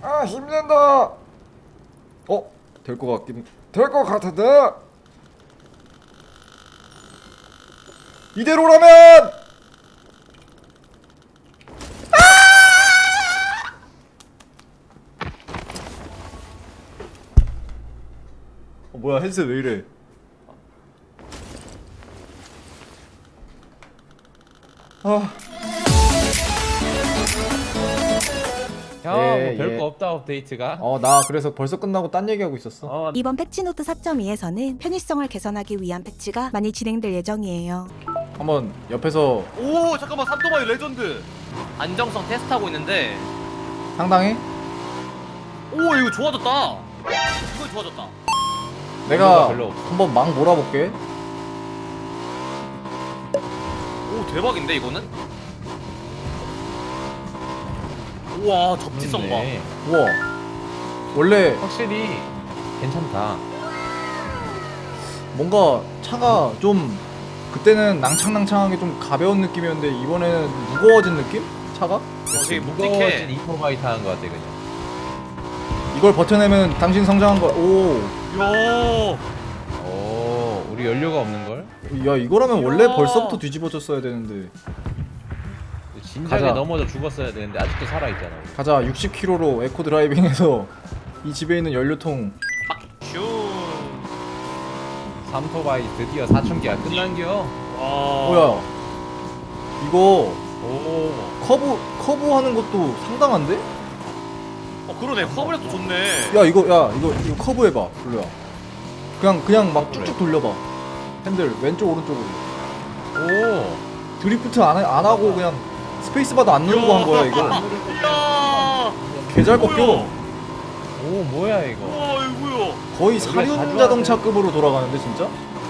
아 힘낸다. 될 것 같긴 될 것 같은데. 이대로라면. 뭐야 헤드셋 왜 이래? 아. 형, 예, 별거 예. 없다 업데이트가. 나 그래서 벌써 끝나고 딴 얘기하고 있었어. 이번 패치노트 4.2에서는 편의성을 개선하기 위한 패치가 많이 진행될 예정이에요. 한번 옆에서 오 잠깐만 삼토바이 레전드 안정성 테스트하고 있는데 상당히 오 이거 좋아졌다. 이거 좋아졌다. 내가 별로 없어. 한번 막 몰아볼게. 오 대박인데 이거는? 우와 접지성 봐. 좋네. 우와. 원래 확실히 괜찮다. 뭔가 차가 좀 그때는 낭창낭창하게 좀 가벼운 느낌이었는데 이번에는 무거워진 느낌? 차가? 되게 무거워진 묵직해. 이터바이 타는 것 같아 그냥. 이걸 버텨내면 당신 성장한 거. 오. 야 오, 우리 연료가 없는 걸? 야 이거라면 원래 이야. 벌써부터 뒤집어졌어야 되는데. 진작에 가자. 넘어져 죽었어야 되는데 아직도 살아 있잖아. 우리. 가자. 60km로 에코 드라이빙해서 이 집에 있는 연료통. 슈. 삼토바이 드디어 사춘기가 끝난겨. 와. 뭐야? 이거 오, 커브 하는 것도 상당한데? 그러네 커브레도 좋네. 야 이거 커브 해봐. 블루야. 그냥 막 쭉쭉 돌려봐. 핸들 왼쪽 오른쪽으로. 오, 드리프트 안 하고 그냥 스페이스바도 안 누르고 한 거야 이거. 야. 개잘 꺾여. 오 뭐야 이거? 우와 이거 뭐야? 거의 원래 사륜 가져와야 자동차급으로 돌아가는데 진짜?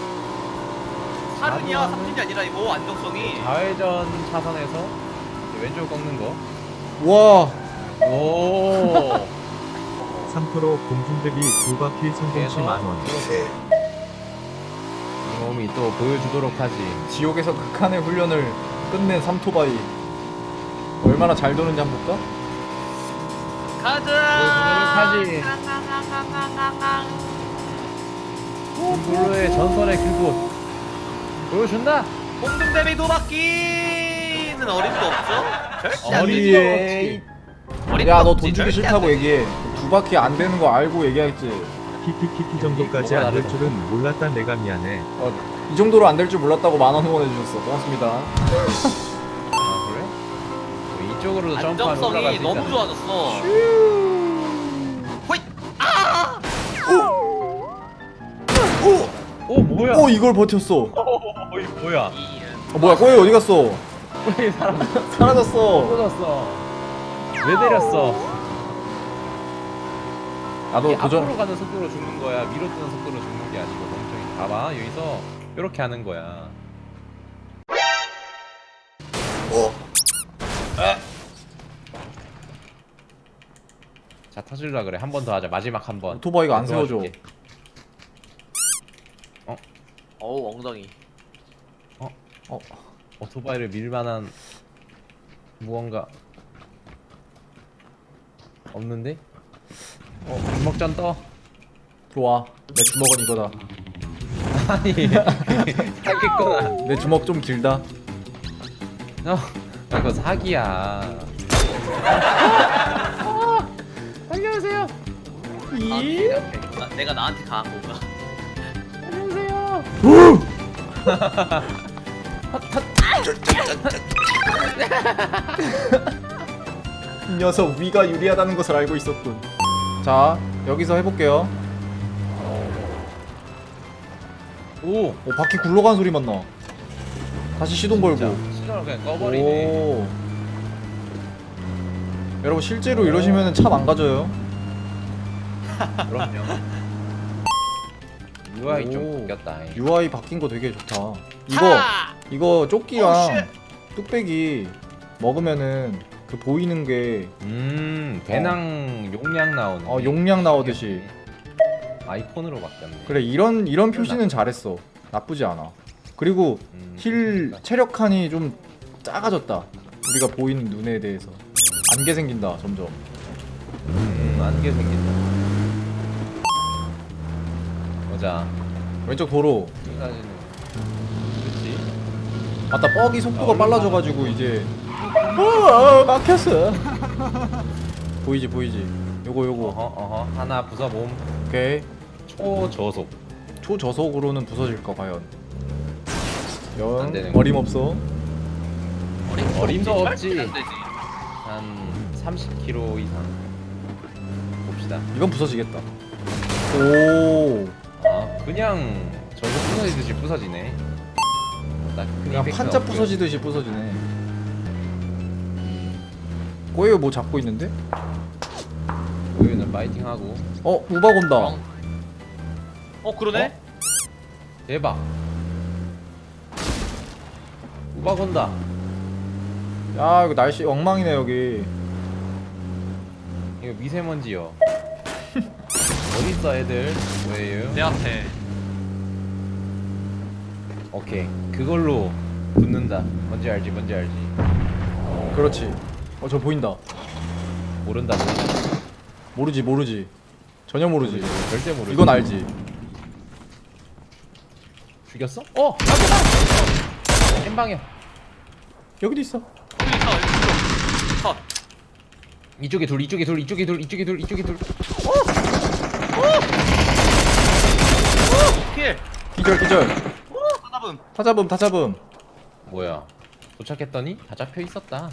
사륜이야 삼륜이 아니라 이거 안정성이. 좌회전 차선에서 이제 왼쪽 꺾는 거. 와. 오. 3프로 공중대비 2바퀴 성공시 만원. 이 몸이 또 보여주도록 하지. 지옥에서 극한의 훈련을 끝낸 삼토바이 얼마나 잘 도는지 한번 볼까? 가자. 하지. 블루의 전설의 그곳 보여준다. 공중 대비 두 바퀴는 어림도 없죠? 절대 안 어림도 되지. 어리에. 어림도 야 너 없지, 돈 주기 절대 싫다고 안 되지. 얘기해. 두 바퀴 안 되는 거 알고 얘기했지. 키키키키 정도까지 뭐가 안 될 다르다. 줄은 몰랐다 내가 미안해. 이 정도로 안 될 줄 몰랐다고 10,000원 후원해 주셨어. 고맙습니다. 아 그래? 뭐 이쪽으로도 점프하면 올라갈 안정성이 수 너무 있잖아. 좋아졌어. 호잇! 오 뭐야? 오 이걸 버텼어. 이 뭐야? 뭐야 꼬이 어디 갔어? 왜 사람 사라졌어. 떨어졌어? 왜 때렸어? 나도 이게 도전. 앞으로 가는 속도로 죽는 거야. 위로 뜨는 속도로 죽는 게 아니고 멍청이. 봐봐 여기서 이렇게 하는 거야. 자 터질라 그래. 한 번 더 하자. 마지막 한 번. 오토바이가 안 세워져. 도와줄게. 어우 엉덩이. 오토바이를 밀만한 무언가 없는데? 주먹전 떠. 좋아. 내 주먹은 이거다. 아니 사기꾼아. 내 주먹 좀 길다. 이거 사기야. 안녕하세요. 내가 나한테 강한 건가? 안녕하세요. 이 녀석 위가 유리하다는 것을 알고 있었군. 자 여기서 해볼게요. 오. 바퀴 굴러가는 소리만 나. 다시 시동 걸고. 시동을 그냥 꺼버리네. 오. 여러분 실제로 이러시면 차 망가져요. 그럼요. UI 좀 오. 바뀌었다. UI 바뀐 거 되게 좋다. 차! 이거 오, 조끼랑 뚝배기 먹으면은 그 보이는 게 배낭 용량 나오는. 용량 나오듯이. 아이콘으로 바뀌었네. 그래 이런 표시는 잘했어. 나쁘지 않아. 그리고 힐 좋다. 체력 칸이 좀 작아졌다. 우리가 보이는 눈에 대해서 안개 생긴다 점점. 안개 생긴다. 보자. 왼쪽 도로. 여기까지는 그렇지. 맞다, 뻑이 속도가 얼마? 빨라져가지고 이제 막혔어. 보이지 보이지. 요거 어허 하나 부숴봄. 오케이. 초저속. 초저속으로는 부서질까 과연. 안 되는 연 거. 어림없어. 어림도 없지. 안 되지. 한 30km 이상 봅시다. 이건 부서지겠다. 오. 아 그냥 저거 부서지듯이 부서지네. 딱 그냥 판자 부서지듯이 부서지네. 꼬예요 뭐 잡고 있는데? 우유는 파이팅하고. 우박 온다. 그러네. 대박. 우박 온다. 야 이거 날씨 엉망이네 여기. 이거 미세먼지요. 어딨어 애들? 왜요? 내 앞에. 오케이 그걸로 붙는다. 뭔지 알지 뭔지 알지. 그렇지. 저 보인다. 모른다 모른다. 모르지. 전혀 모르지. 절대 모르지. 이건 알지. 죽였어? 깜짝아! 엠방이야. 여기도 있어. 여기 있어. 여기 있어. 컷. 이쪽에 둘 이쪽에 둘 이쪽에 둘 이쪽에 둘 이쪽에 둘. 킬. 기절. 하나분. 다 잡음. 뭐야? 도착했더니 다 잡혀 있었다.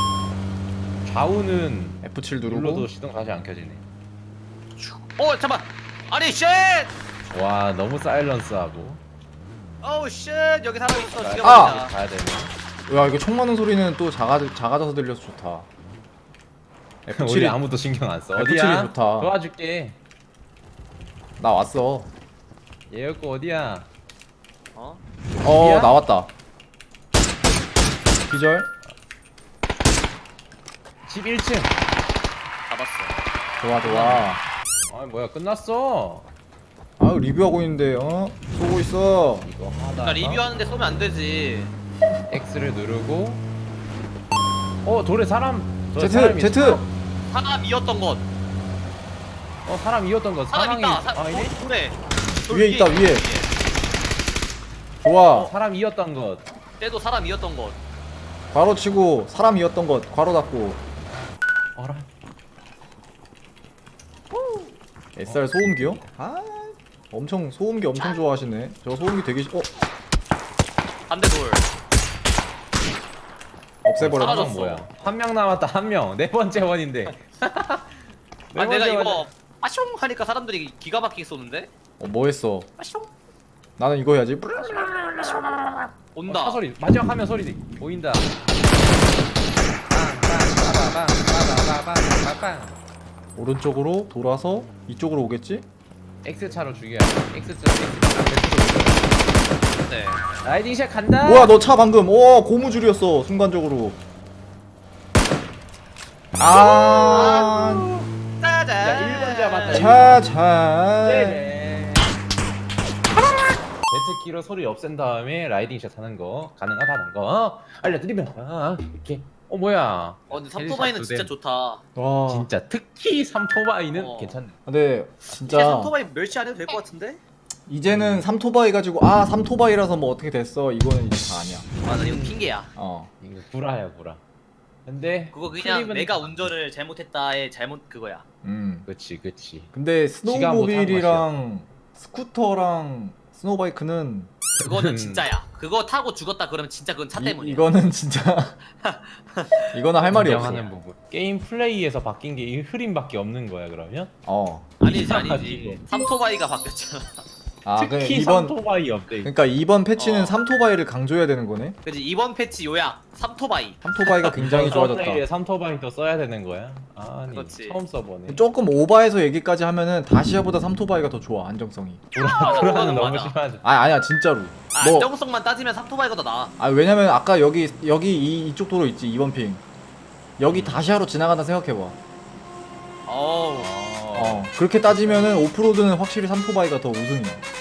좌우는 F7 누르고. 눌러도 시동 다시 안 켜지네. 잠만. 아니 쉣. 와 너무 사일런스하고. 어우 쉣. 여기 사람 있어. 가야 죽여버리자. 가야 되네. 야 이거 총 맞는 소리는 또 작아져서 들려서 좋다. 우리 F7이 아무도 신경 안 써. F7이 어디야? 좋다. 도와줄게. 나 왔어. 얘였고 어디야? 어 나왔다. 기절. 집 1층. 잡았어. 좋아. 아 뭐야 끝났어. 아 리뷰하고 있는데 쏘고 있어. 이거 하다가 그러니까 리뷰하는데 쏘면 안 되지. X를 누르고. 돌에 사람. 저 Z 사람이 Z. 있어. 사람이었던 것. 사람 이었던 거. 사람 사람이 있다. 아니네? 그래. 위에 있다, 위에. 좋아. 사람 이었던 것. 때도 사람이었던 것. 괄호 치고 사람이었던 것 괄호 닫고. 어라. SR 소음기요? 엄청 소음기 엄청 좋아하시네. 저 소음기 되게 반대 돌. 없애버렸다. 사라졌어. 뭐야? 한 명 남았다 한 명. 네 번째 원인데. 네 내가 번째 이거 원. 아숑 하니까 사람들이 기가 막히게 쏘는데. 뭐 했어? 아숑. 나는 이거 해야지. 온다. 차 소리. 마지막 화면 소리 보인다. 빵빵빵빵빵빵빵빵. 오른쪽으로 돌아서 이쪽으로 오겠지? X 차로 죽여야 돼. X 차. 네. 라이딩 샷 간다. 뭐야 너 차 방금 고무줄이었어 순간적으로. 짜잔. 야 1번 잡았다. 차차. 네네. 제트키로 소리 없앤 다음에 라이딩 샷 하는 거 가능하다는 거 알려드리면 이렇게. 뭐야? 근데 삼토바이는 진짜 좋다. 와. 진짜 특히 삼토바이는 괜찮네. 근데 진짜 진짜 삼토바이 멸치 안 해도 될 것 같은데? 이제는 삼토바이 가지고 삼토바이라서 뭐 어떻게 됐어 이거는 이제 다 아니야. 맞아 이거 핑계야. 이거 구라야 구라. 근데 그거 그냥 클립은 내가 운전을 잘못했다의 잘못 그거야. 그치. 근데 지가 못한 스노우모빌이랑 스쿠터랑 스노우바이크는 그거는 진짜야. 그거 타고 죽었다 그러면 진짜 그건 차 때문이야. 이거는 진짜 이거는 할 말이 없어. 인정하는 부분. 게임 플레이에서 바뀐 게 이 흐림밖에 없는 거야 그러면? 아니지 이상하지. 삼토바이가 바뀌었잖아. 그래, 특히 삼토바이 업데이트. 그러니까 이번 패치는 삼토바이를 강조해야 되는 거네. 그지 이번 패치 요약 삼토바이. 삼토바이가 굉장히 좋아졌다. 서플레이에 삼토바이도 써야 되는 거야? 아니 그렇지. 처음 써보네. 조금 오바해서 얘기까지 하면은 다시아보다 삼토바이가 더 좋아 안정성이. 맞아, 구라는 그거는 너무 맞아. 심하죠. 아니야 진짜로. 안정성만 따지면 삼토바이가 더 나아. 왜냐면 아까 여기 이쪽 도로 있지 2번 핑. 여기 다시아로 지나가다 생각해봐. 어우. 그렇게 따지면은 오프로드는 확실히 삼토바이가 더 우승이야.